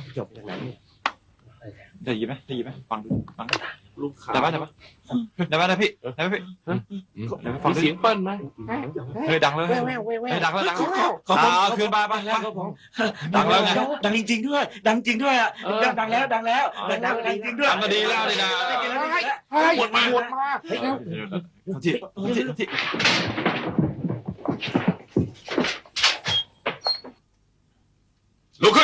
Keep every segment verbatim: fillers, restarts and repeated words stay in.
จบจากไหนเนี่ยได้ยินไหมได้ยินไหมฟังดูฟังลูกค้าได้ไหมได้ไหมได้ไหมได้พี่ได้ไหมพี่ฟังเสียงเปิ้ลไหมเฮ้ยดังเลยเฮ้ยดังแล้วดังแล้วอ่าคืนมาไปดังแล้วไงดังจริงๆด้วยดังจริงด้วยอ่ะดังแล้วดังแล้วดังแล้วดังจริงด้วยดังก็ดีแล้วนี่นะหมดมาหมดมาที่ที่ที่ลุกขึ้น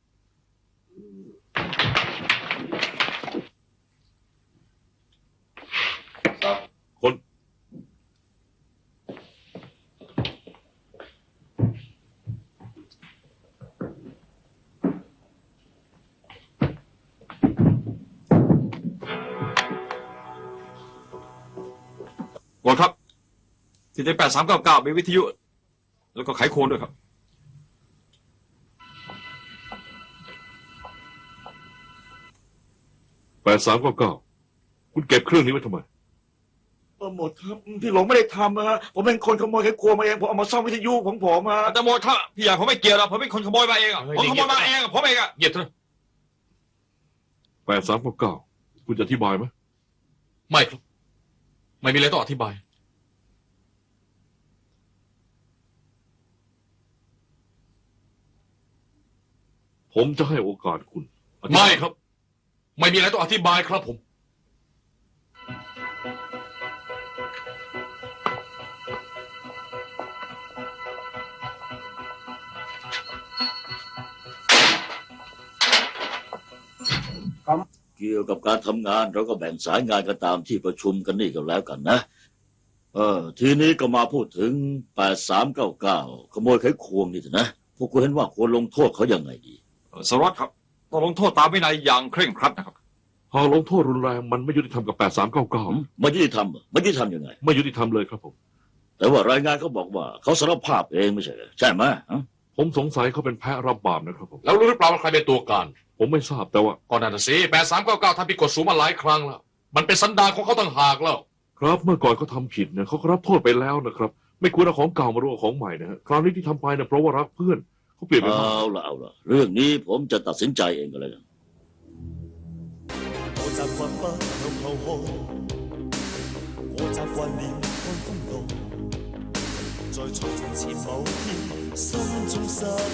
คนกดครับที่ได้แปดสามเก้าเก้ามีวิทยุแล้วก็ไขโครด้วยครับแปดสามเก้าเก้าคุณเก็บเครื่องนี้ไว้ทำไมเออหมดครับพี่หลงไม่ได้ทำนะผมเป็นคนขโมยแค่ครัวมาเองผมเอามาซ่อมวิทยุของผมมาแต่หมดครับพี่ใหญ่ผมไม่เกี่ยวหรอกผมเป็นคนขโมยมาเองอ่ะผมขโมยมาเองผมเองอ่ะเหยียดเถอะแปดสามเก้าเก้าคุณจะอธิบายไหมไม่ครับไม่มีอะไรต้องอธิบายผมจะให้โอกาสคุณไม่ครับไม่มีอะไรต้องอธิบายครับผมเกี่ยวกับการทำงานเราก็แบ่งสายงานกันตามที่ประชุมกันนี่ก็แล้วกันนะเออทีนี้ก็มาพูดถึงแปดสามเก้าเก้าขโมยไขควงนี่เถอะนะพวกคุณเห็นว่าควรลงโทษเขายังไงดีสารวัตรครับต้องลงโทษตามวินัยอย่างเคร่งครัดนะครับหากลงโทษรุนแรงมันไม่ยุติธรรมกับแปดสามเก้าเก้าไม่ยุติธรรมไม่ยุติธรรมยังไงไม่ยุติธรรมเลยครับผมแต่ว่ารายงานเขาบอกว่าเขาสารภาพเองไม่ใช่เหรอใช่ไหมผมสงสัยเขาเป็นแพะรับบาปนะครับผมแล้วรู้หรือเปล่าว่าใครเป็นตัวการผมไม่ทราบแต่ว่าก่อนหน้านั้นสิแปดสามเก้าเก้าทำผิดกฎสูงมาหลายครั้งแล้วมันเป็นสันดานของเขาต่างหากแล้วครับเมื่อก่อนเขาทาผิดเนี่ยเขาก็รับโทษไปแล้วนะครับไม่ควรเอาของเก่ามาร่วมของใหม่นะฮะคราวนี้ที่ทำไปเนี่ยเพราะว่ารักเพื่อนเขาเปลี่ยนไปเอาละเอาละเรื่องนี้ผมจะตัดสินใจเองก็แล้วกัน我習慣不向後看，我習慣了看風浪，在從前某天心中失。